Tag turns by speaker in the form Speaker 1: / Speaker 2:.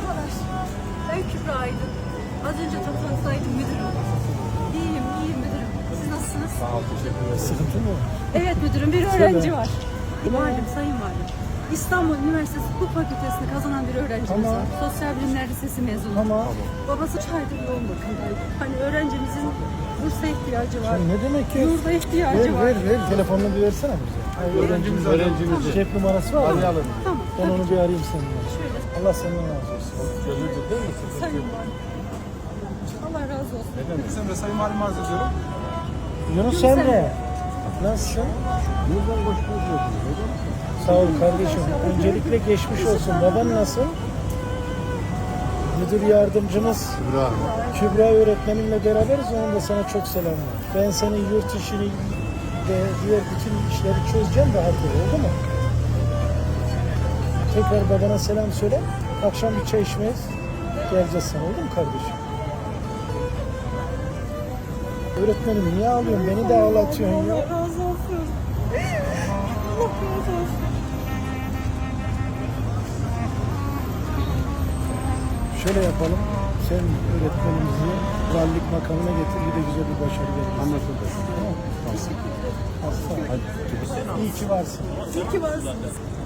Speaker 1: Merhabalar. Ben Kübra Aydın. Az önce toplantıdaydım müdürüm. İyiyim müdürüm. Siz nasılsınız?
Speaker 2: Sağ ol, teşekkür ederim. Sıkıntı mı?
Speaker 1: Evet müdürüm, bir öğrenci var. Valim, sayın valim. İstanbul Üniversitesi Hukuk Fakültesini kazanan bir öğrencimiz var. Sosyal Bilimler Lisesi mezunu.
Speaker 2: Tamam.
Speaker 1: Babası 3 aydır yoğun bakımdaydı. Hani öğrencimizin bursa ihtiyacı var.
Speaker 2: Ne demek ki?
Speaker 1: Yurda ihtiyacı var.
Speaker 2: Ver. Telefonunu bir versene bize. Öğrencimiz. Cep numarası var mı? Arayalım.
Speaker 1: Tamam.
Speaker 2: Ben onu bir arayayım seninle.
Speaker 1: Şöyle.
Speaker 2: Allah senden razı olsun. Gönüllü değil mi?
Speaker 1: Sayın valim. Allah razı olsun.
Speaker 2: Ne demek?
Speaker 3: Emre Sayın Valim arz ediyorum.
Speaker 2: Yunus Emre. Nasılsın?
Speaker 3: Buradan koşuyoruz.
Speaker 2: Sağ ol kardeşim. Öncelikle geçmiş olsun. Baban nasıl? Müdür yardımcımız Kübra öğretmenimle beraberiz. Onun da sana çok selam var. Ben senin yurt işini ve diğer bütün işleri çözeceğim rahat ol. Oldu mu? Tekrar babana selam söyle. Akşam bir çay içmeyiz. Geleceğiz sana. Oldu mu kardeşim? Öğretmenim niye ağlıyorsun? Beni de ağlatıyorsun ya.
Speaker 1: Allah razı olsun. Allah razı olsun.
Speaker 2: Şöyle yapalım. Sen öğretmenimizi valilik makamına getir. Bir de güzel bir başarı verelim.
Speaker 3: Anlaşıldı.
Speaker 2: Tamam. Aslan. İyi ki varsın.
Speaker 1: İyi ki varsınız.